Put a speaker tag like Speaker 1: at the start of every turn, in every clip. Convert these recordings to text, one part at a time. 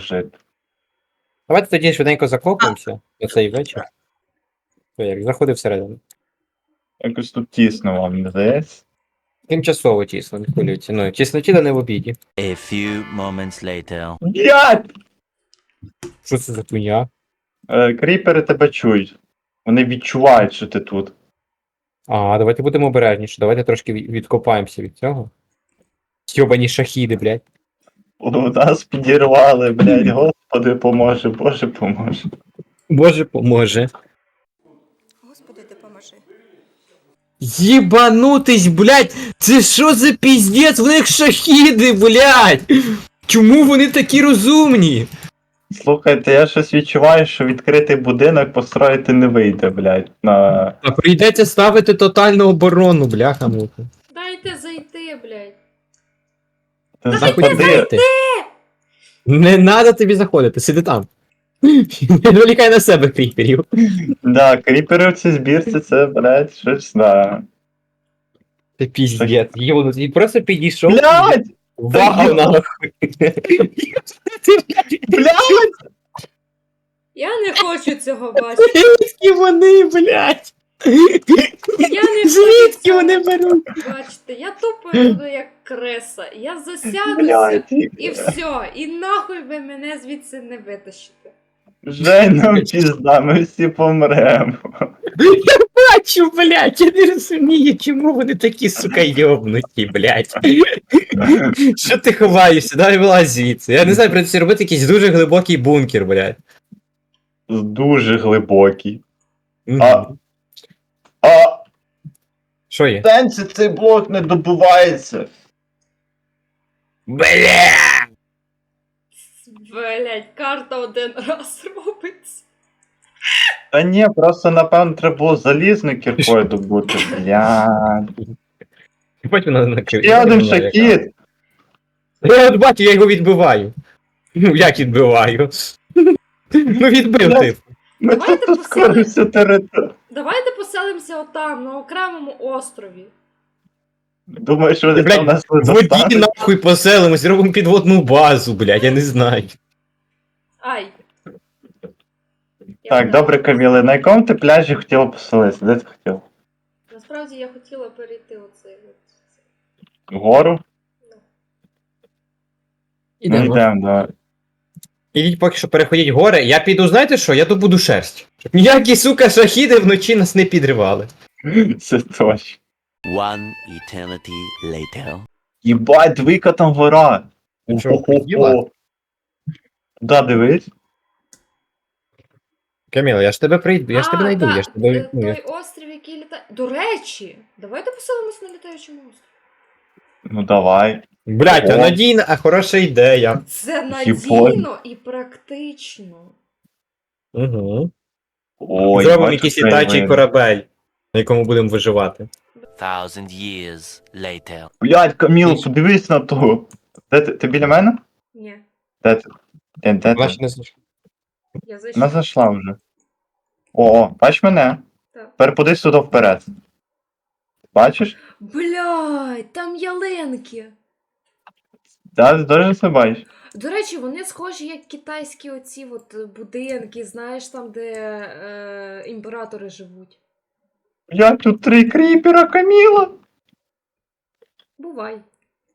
Speaker 1: жити.
Speaker 2: Давайте тоді швиденько закопуємося на цей вечір. То як, заходи всередину.
Speaker 1: Якось тут тісно вам, не здається?
Speaker 2: Тимчасово тісно, не хвилюйте. Ну, тіснотіда не в обіді.
Speaker 3: A few moments later.
Speaker 1: Блядь!
Speaker 2: Що це за хуйня?
Speaker 1: Кріпери тебе чують. Вони відчувають, що ти тут.
Speaker 2: А, давайте будемо обережніше, давайте трошки відкопаємося від цього. Йобані шахіди, блядь.
Speaker 1: У нас підірвали, блядь, Господи поможе, Боже поможе.
Speaker 2: Боже поможе.
Speaker 4: Господи, допоможи.
Speaker 2: Єбанутись, блядь! Це що за піздець? В них шахіди, блядь! Чому вони такі розумні?
Speaker 1: Слухайте, я щось відчуваю, що відкритий будинок построїти не вийде, блядь.
Speaker 2: А прийдеться ставити тотальну оборону, бляха-муха.
Speaker 4: Дайте зайти, блядь.
Speaker 1: Ти
Speaker 2: Заходи. Не надо тобі заходити, сиди там. Не вилікай на себе кріперів.
Speaker 1: Да, кріпери в цій збірці, це, блядь, щось, да.
Speaker 2: Це піздець. Йо, ти просто підійшов.
Speaker 1: Блядь!
Speaker 2: Вау, нахуй.
Speaker 1: Блядь!
Speaker 4: Я не хочу цього бачити.
Speaker 2: Звідки вони, блядь?
Speaker 4: Я не хочу
Speaker 2: Звідки
Speaker 4: цього
Speaker 2: вони беруть?
Speaker 4: бачити. Я тупо буду як креса. Я засядуся
Speaker 1: Блядь!
Speaker 4: і все. І нахуй ви мене звідси не витащите.
Speaker 1: Жень, нам пізда, ми всі помремо.
Speaker 2: Бачу, блядь, я не розумію, чому вони такі, сука, йобнуті, блядь. Що ти ховаєшся? Давай вилазь звідси. Я не знаю, придеться робити якийсь дуже глибокий бункер, блядь.
Speaker 1: Дуже глибокий.
Speaker 2: Мгм.
Speaker 1: А
Speaker 2: Що є?
Speaker 1: в сенсі цей блок не добувається.
Speaker 2: Бля!
Speaker 4: Блять, карта один раз робиться.
Speaker 1: Та ні, просто напевно треба було залізною кіркою добути, блядь.
Speaker 2: Потім надо накрити.
Speaker 1: Ще один шахід!
Speaker 2: Я от бачу, я його відбиваю. Ну, як відбиваю? Ну, відбив ти.
Speaker 1: Ми
Speaker 4: Давайте
Speaker 1: тут ускоримося територію.
Speaker 4: Давайте поселимося отам, на окремому острові.
Speaker 1: Думаєш, що вони
Speaker 2: Блядь,
Speaker 1: там нас не
Speaker 2: В воді
Speaker 1: достануть?
Speaker 2: нахуй поселимось, зробимо підводну базу, блядь, я не знаю.
Speaker 4: Ай. Я
Speaker 1: Так,
Speaker 4: не-
Speaker 1: добре, Каміле, на якому ти пляжі хотіла поселитися? Де ти хотіла?
Speaker 4: Насправді я хотіла перейти оцей от.
Speaker 1: Вгору? Ну,
Speaker 2: Ідемо.
Speaker 1: йдемо, давай.
Speaker 2: Ідіть поки що переходіть гори, я піду, знаєте що, я добуду шерсть. Щоб ніякі, сука, шахіди вночі нас не підривали.
Speaker 1: Це точно.
Speaker 3: One eternity later.
Speaker 1: Єбать, двійка там гора.
Speaker 2: Ти що, охуєла?
Speaker 1: Да, дивись.
Speaker 2: Каміла, я ж тебе прийду, я ж тебе знайду,
Speaker 4: так,
Speaker 2: я ж тебе... ну,
Speaker 4: той острів, який літає. До речі, давайте поселимось на літаючому острові.
Speaker 1: Ну давай.
Speaker 2: Блядь, а
Speaker 1: О.
Speaker 2: надійна, а хороша ідея.
Speaker 4: Це
Speaker 1: Єбать.
Speaker 4: надійно і практично.
Speaker 2: Угу.
Speaker 1: Ой,
Speaker 2: Зробимо
Speaker 1: бачу,
Speaker 2: якийсь
Speaker 1: це
Speaker 2: літаючий
Speaker 1: ви.
Speaker 2: корабель, на якому будемо виживати.
Speaker 3: 1000 years later.
Speaker 1: Блядь, Каміло, подивись на ту. Де ти? Ти біля мене?
Speaker 4: Ні,
Speaker 1: Де ти? Де
Speaker 2: Вона
Speaker 1: ти?
Speaker 2: ще не знайшла.
Speaker 4: я
Speaker 1: Вона
Speaker 4: зайшла.
Speaker 1: зайшла вже. О, бач мене?
Speaker 4: Так.
Speaker 1: Тепер подивись сюди вперед. Бачиш?
Speaker 4: Блядь, там ялинки.
Speaker 1: Да, ти теж це бачиш?
Speaker 4: До речі, вони схожі як китайські оці от будинки, знаєш, там, де імператори живуть.
Speaker 1: Я тут 3 кріпера, Каміла.
Speaker 4: Бувай.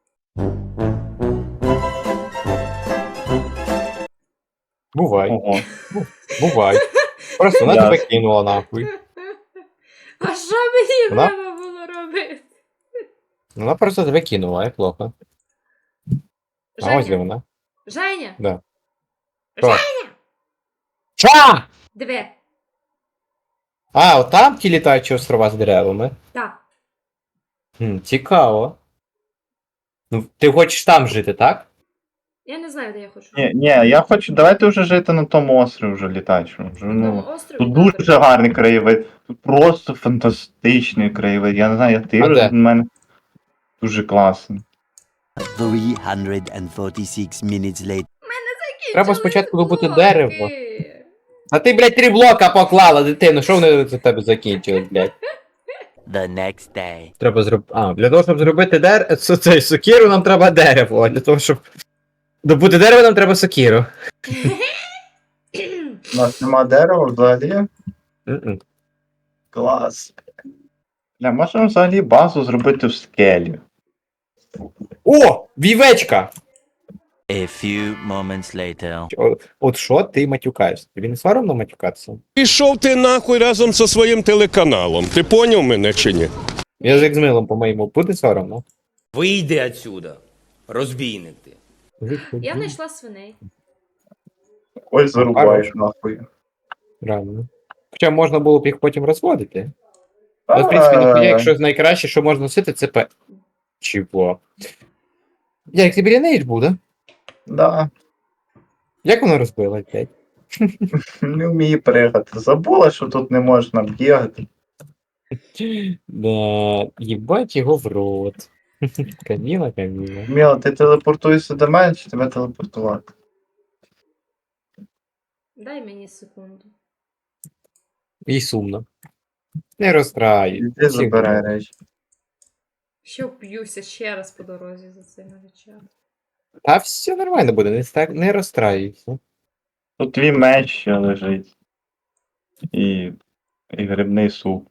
Speaker 2: Бувай,
Speaker 1: Ого.
Speaker 2: бувай. Просто вона
Speaker 1: Ясно.
Speaker 2: тебе кинула нахуй.
Speaker 4: А що мені
Speaker 2: Вона?
Speaker 4: треба було робити?
Speaker 2: Вона просто тебе кинула, як плохо. А ось де
Speaker 4: Женя,
Speaker 2: вона.
Speaker 4: Женя,
Speaker 2: Да.
Speaker 4: Женя,
Speaker 2: Ча!
Speaker 4: диви.
Speaker 2: А, от там ті літаючі острова з деревами.
Speaker 4: Так.
Speaker 2: Цікаво. Ну, ти хочеш там жити, так?
Speaker 4: Я не знаю, де я хочу.
Speaker 1: Ні, я хочу, давайте вже жити на тому острові вже літаючому. Вже,
Speaker 4: На
Speaker 1: ну,
Speaker 4: тому острові.
Speaker 1: тут
Speaker 4: добре.
Speaker 1: дуже гарний краєвид. Тут просто фантастичний краєвид. Я не знаю, як ти
Speaker 2: А
Speaker 1: вже
Speaker 2: де?
Speaker 1: в мене дуже класно.
Speaker 3: 346 minutes later.
Speaker 2: Треба спочатку добути
Speaker 4: Блоки.
Speaker 2: дерево. А ти, блядь, 3 блока поклала, дитину, що вони за тебе закінчили, блядь?
Speaker 3: The next day.
Speaker 2: Треба зробити. А, для того, щоб зробити цей сокиру, нам треба дерево, а для того, щоб Добути дерево нам треба сокіру.
Speaker 1: У нас нема дерева взагалі.
Speaker 2: Мгм.
Speaker 1: Клас. Бля, можемо взагалі базу зробити в скелі.
Speaker 2: О! Вівечка!
Speaker 3: A few moments later.
Speaker 2: От що ти матюкаєшся? Тобі не соромно матюкатися?
Speaker 5: Пішов ти нахуй разом зі своїм телеканалом. Ти поняв мене чи ні?
Speaker 2: Язик з милом, по-моєму, буде соромно.
Speaker 6: Вийди отсюда, розбійник ти.
Speaker 4: Я знайшла свиней.
Speaker 1: Ось зарубаєш нахуй.
Speaker 2: Реально. Хоча можна було б їх потім розводити. Але, в принципі, ніхуя, якщо найкраще, що можна носити, це Чого? Як тобі лінейдж буде?
Speaker 1: Да,
Speaker 2: Як воно розбило, блядь?
Speaker 1: не вміє пригати. Забула, що тут не можна бігати.
Speaker 2: Да, їбать його в рот. Каміла.
Speaker 1: Міла, ти телепортуєшся до мене, чи тебе телепортувати?
Speaker 4: Дай мені секунду.
Speaker 2: І сумно. Не розстраюй.
Speaker 1: Іди забирай речі.
Speaker 4: Що б'юся ще раз по дорозі за цими речами.
Speaker 2: Та все нормально буде, не розстраюйся.
Speaker 1: Тут твій меч ще лежить. І грибний суп.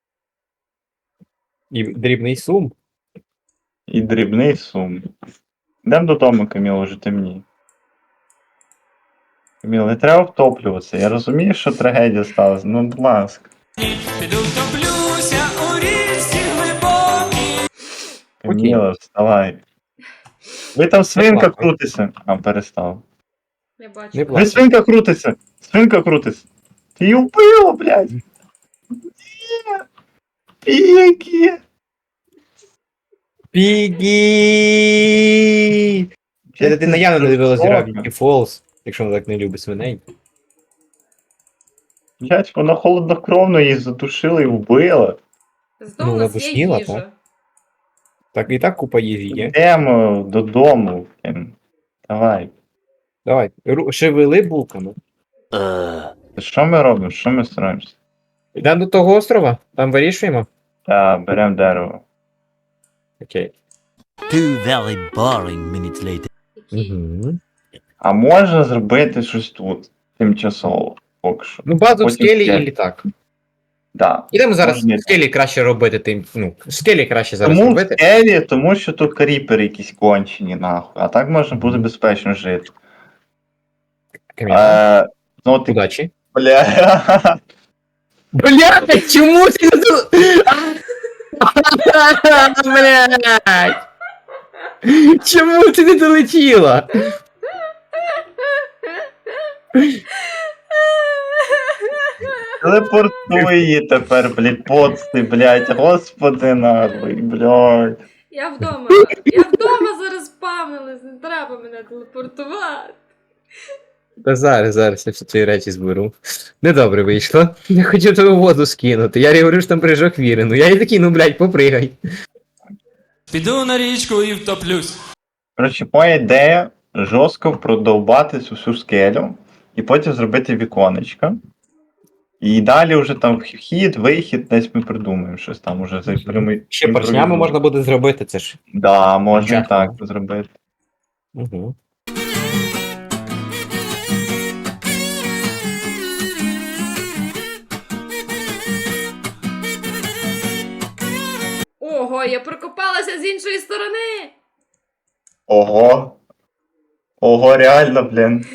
Speaker 2: І дрібний сум.
Speaker 1: І дрібний сум. Йдемо додому, Каміло, вже темніє. Каміло, не треба втоплюватися. Я розумію, що трагедія сталася. Ну, будь ласка. Каміло, вставай. Ви там свинка
Speaker 2: плакай.
Speaker 1: крутиться. А, перестав.
Speaker 4: Я бачу.
Speaker 2: Не
Speaker 1: Ви
Speaker 2: плач.
Speaker 1: свинка крутиться! Свинка крутиться! Ти її вбила, блядь! Ні! Піки!
Speaker 2: Пігі! Ця дитина явно не дивилась Gravity Falls, якщо вона так не любить свиней.
Speaker 1: Блядь, вона холоднокровно її задушила і вбила.
Speaker 4: Зато
Speaker 2: Ну,
Speaker 4: у
Speaker 2: вона
Speaker 4: нас є
Speaker 2: душніла,
Speaker 4: їжа.
Speaker 2: так? Так і так купа їжі є.
Speaker 1: Йдемо додому. Давай.
Speaker 2: Давай, шевели булками.
Speaker 1: Що ми робимо? Що ми стараємося?
Speaker 2: Йдемо до того острова, там вирішуємо.
Speaker 1: Та, беремо дерево.
Speaker 2: Окей.
Speaker 3: Two very boring minutes later.
Speaker 4: Які?
Speaker 2: Угу.
Speaker 1: А можна зробити щось тут тимчасово, поки що.
Speaker 2: Ну, базу в
Speaker 1: Потім
Speaker 2: скелі
Speaker 1: скелі.
Speaker 2: і літак.
Speaker 1: Да.
Speaker 2: Ідемо зараз
Speaker 1: Можна.
Speaker 2: в скелі краще робити тим. Ну, в скелі краще зараз
Speaker 1: Тому в
Speaker 2: робити.
Speaker 1: скелі, тому що тут кріпери якісь кончені, нахуй. А так можна буде безпечно жити.
Speaker 2: Кам'яна.
Speaker 1: Ну, ти,
Speaker 2: Удачі.
Speaker 1: бля.
Speaker 2: Блядь, чому ти не тут? Блядь! Чому ти не долетіла?
Speaker 1: Телепортуй її тепер, блядь, поцти, блядь, господи нахуй, блядь.
Speaker 4: Я вдома. Я вдома зараз спавнилась, не треба мене телепортувати.
Speaker 2: Та зараз я всі твої речі зберу. Недобре вийшло. Я хотів тебе в воду скинути. Я говорю, що там прыжок віри. Ну я і такий, ну блядь, попригай.
Speaker 6: Піду на річку і втоплюсь.
Speaker 1: Коротше, моя ідея жорстко продовбати цю всю скелю і потім зробити віконечко. І далі вже там вхід, вихід, десь ми придумаємо щось там уже за
Speaker 2: Ще поршнями можна буде зробити, це ж.
Speaker 1: Да, можна і
Speaker 2: Чесно.
Speaker 1: так зробити.
Speaker 2: Угу.
Speaker 4: Ого, я прокопалася з іншої сторони.
Speaker 1: Ого. Ого, реально, блін.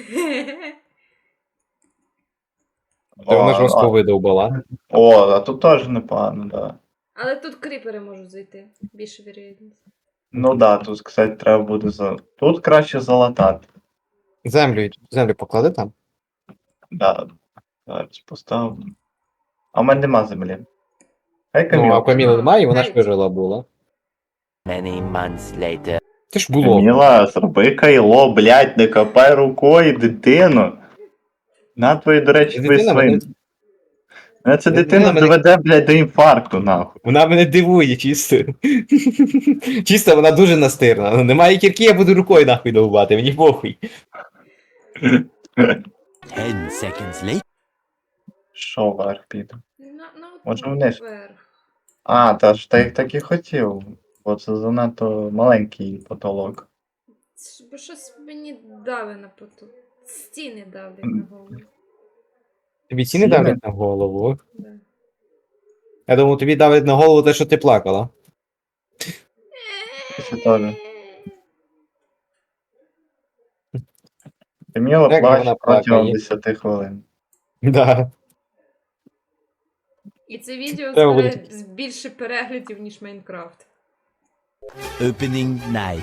Speaker 2: Та вона
Speaker 1: О,
Speaker 2: жорстко видовбала.
Speaker 1: а тут теж непогано, да.
Speaker 4: Але тут кріпери можуть зайти. Більше вірогідність.
Speaker 1: Ну да, тут, кстати, треба буде за. Тут краще залатати.
Speaker 2: Землю поклади там.
Speaker 1: Да. Зараз поставлю. А в мене нема землі. Хай
Speaker 2: Ну, а
Speaker 1: Каміла.
Speaker 2: у Каміли немає, і вона ж
Speaker 4: Навіть.
Speaker 2: вижила була.
Speaker 3: Many months later.
Speaker 2: Це ж було.
Speaker 1: Каміла, зроби кайло, блядь, не копай рукою дитину. На твої, до речі, твої
Speaker 2: Дитина мене-
Speaker 1: свин. Мене ця
Speaker 2: Дитина
Speaker 1: дитина
Speaker 2: мене-
Speaker 1: доведе, блядь, до інфаркту, нахуй.
Speaker 2: Вона мене дивує чисто. Чисто вона дуже настирна. Ну, немає кірки, я буду рукою нахуй довбати, мені похуй.
Speaker 3: 10 seconds later.
Speaker 1: Що вверх піде?
Speaker 4: От
Speaker 1: Може, вниз?
Speaker 4: вверх.
Speaker 1: А, та ж ти так і хотів. Бо це занадто маленький потолок.
Speaker 4: Бо щось мені дави на поту. Стіни давлять на голову.
Speaker 2: Тобі ціни
Speaker 1: Ціни?
Speaker 2: давлять на голову.
Speaker 4: Да.
Speaker 2: Я думав, тобі давлять на голову те, що ти плакала.
Speaker 1: Це теж. Каміла
Speaker 2: Як же
Speaker 1: плаче
Speaker 2: вона
Speaker 1: протягом
Speaker 2: плакає?
Speaker 1: 10 хвилин.
Speaker 2: Да.
Speaker 4: І це відео
Speaker 2: Треба
Speaker 4: збере більше переглядів, ніж Майнкрафт.
Speaker 3: Opening night.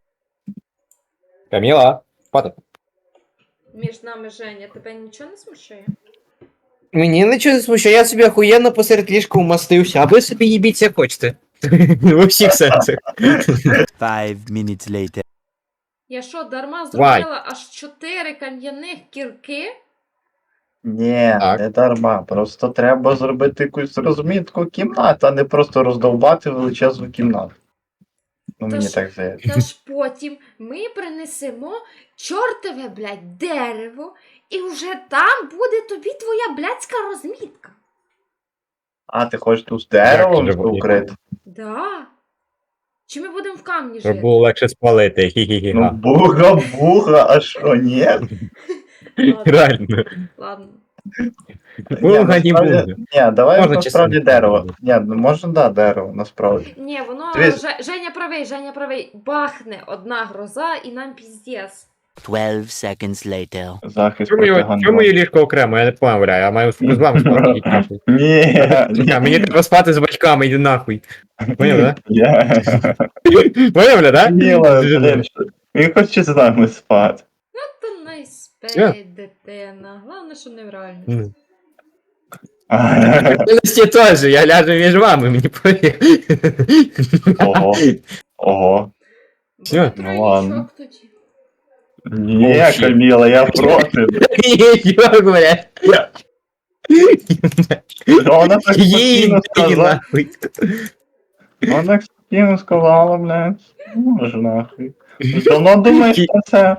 Speaker 2: Каміла, спати.
Speaker 4: Між нами Женя, тебе нічого не смущає?
Speaker 2: Мені нічого не смущає, я собі охуєнно посеред ліжка умастився, а ви собі їбіться як хочете. У всіх сенсах.
Speaker 3: 5 minutes later.
Speaker 4: Я що, дарма зробила аж 4 кам'яних кірки?
Speaker 1: Ні,
Speaker 2: Так.
Speaker 1: не дарма. Просто треба зробити якусь розмітку кімнат, а не просто роздовбати величезну кімнату. Ну,
Speaker 4: Та
Speaker 1: мені
Speaker 4: ж-
Speaker 1: так здається.
Speaker 4: Та ж потім ми принесемо чортове, блядь, дерево, і вже там буде тобі твоя блядська розмітка.
Speaker 1: А, ти хочеш тут з деревом
Speaker 2: Як же вони?
Speaker 1: укрити?
Speaker 4: Да. Чи ми будемо в камні
Speaker 2: Щоб
Speaker 4: жити?
Speaker 2: було легше спалити.
Speaker 1: Ну,
Speaker 2: Хі-хі-хі.
Speaker 1: буга, а що, ні?
Speaker 4: Ладно,
Speaker 2: Реально.
Speaker 4: ладно.
Speaker 2: Буга, не
Speaker 1: насправді-
Speaker 2: буга.
Speaker 1: Ні, давай
Speaker 2: Можна
Speaker 1: насправді
Speaker 2: чесно.
Speaker 1: дерево. Ні, ну можна, да, дерево, насправді.
Speaker 4: Ні, воно
Speaker 1: Дивись.
Speaker 4: Женя правий, бахне одна гроза і нам піздец.
Speaker 3: 12 seconds later.
Speaker 1: Захист
Speaker 2: Чому
Speaker 1: проти
Speaker 2: моє
Speaker 1: гандону.
Speaker 2: ліжко окремо? Я не поняв, бля, я маю з вами спати. йдіть нахуй.
Speaker 1: Ні,
Speaker 2: Ні, мені треба спати з батьками, йди нахуй. Поняв, да?
Speaker 1: я...
Speaker 2: Поняв, бля, да?
Speaker 1: Міла, блін, що- він хоче з нами спати.
Speaker 4: Та не спей, дитина. Головне, що не в реальності.
Speaker 2: Реальності теж, я ляжу між вами, мені повір.
Speaker 1: Ого, ого.
Speaker 2: Всё,
Speaker 4: Буде
Speaker 1: ну ладно.
Speaker 4: тройничок тоді.
Speaker 1: Ні,
Speaker 2: О, щит.
Speaker 1: Каміла, я проти.
Speaker 2: Йо, бля.
Speaker 1: Ну, вона так
Speaker 2: Їй,
Speaker 1: спокійно сказала.
Speaker 2: нахуй.
Speaker 1: Вона так спокійно сказала, блядь. Ну, може нахуй. Давно думаєш про це?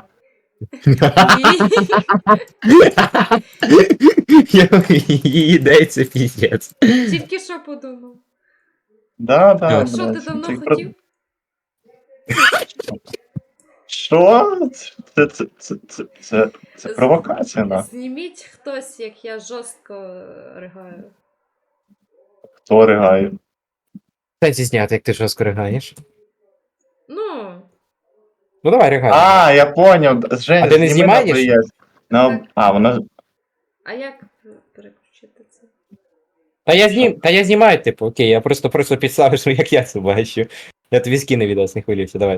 Speaker 2: Її ідеї це піздець.
Speaker 4: Тільки що подумав.
Speaker 1: Да, да,
Speaker 2: А
Speaker 4: Що ти
Speaker 1: блядь.
Speaker 4: давно
Speaker 1: Ти
Speaker 4: хотів?
Speaker 1: Що? Це провокація, на.
Speaker 4: Зніміть хтось, як я жорстко ригаю.
Speaker 1: Хто ригає?
Speaker 2: Кстати, зняти, як ти жорстко ригаєш.
Speaker 4: Ну,
Speaker 2: Ну давай, ригай.
Speaker 1: А, я поняв. Женя,
Speaker 2: А ти не
Speaker 1: зніми на
Speaker 2: знімаєш?
Speaker 1: ОБС.
Speaker 4: Так.
Speaker 1: А, вона...
Speaker 4: а як переключити це?
Speaker 2: Та я знімаю, типу, окей, я просто підставив, що як я це бачу. Я тобі скину відос, не хвилюйся, давай.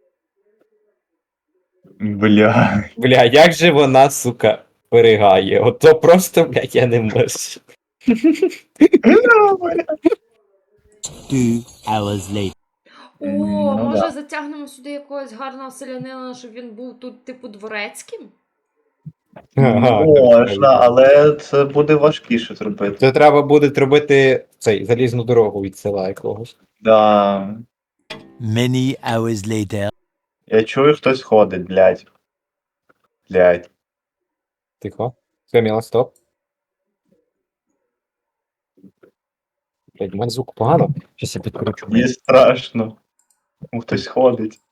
Speaker 1: Бля.
Speaker 2: Бля, як же вона, сука, перегає. Ото просто, блядь, я не можу.
Speaker 3: 2 hours later.
Speaker 4: О,
Speaker 1: Ну,
Speaker 4: може
Speaker 1: да.
Speaker 4: затягнемо сюди якогось гарного селянина, щоб він був тут, типу, дворецьким?
Speaker 1: Можна, але це буде важкіше зробити.
Speaker 2: Це треба буде робити цей залізну дорогу від села якогось.
Speaker 1: Да.
Speaker 3: Many hours later.
Speaker 1: Я чую, хтось ходить, блядь. Блядь.
Speaker 2: Тихо. Каміла, стоп. Блядь, у мене звук погано. Щас я підкручу.
Speaker 1: Мені страшно. Ну, хтось ходить.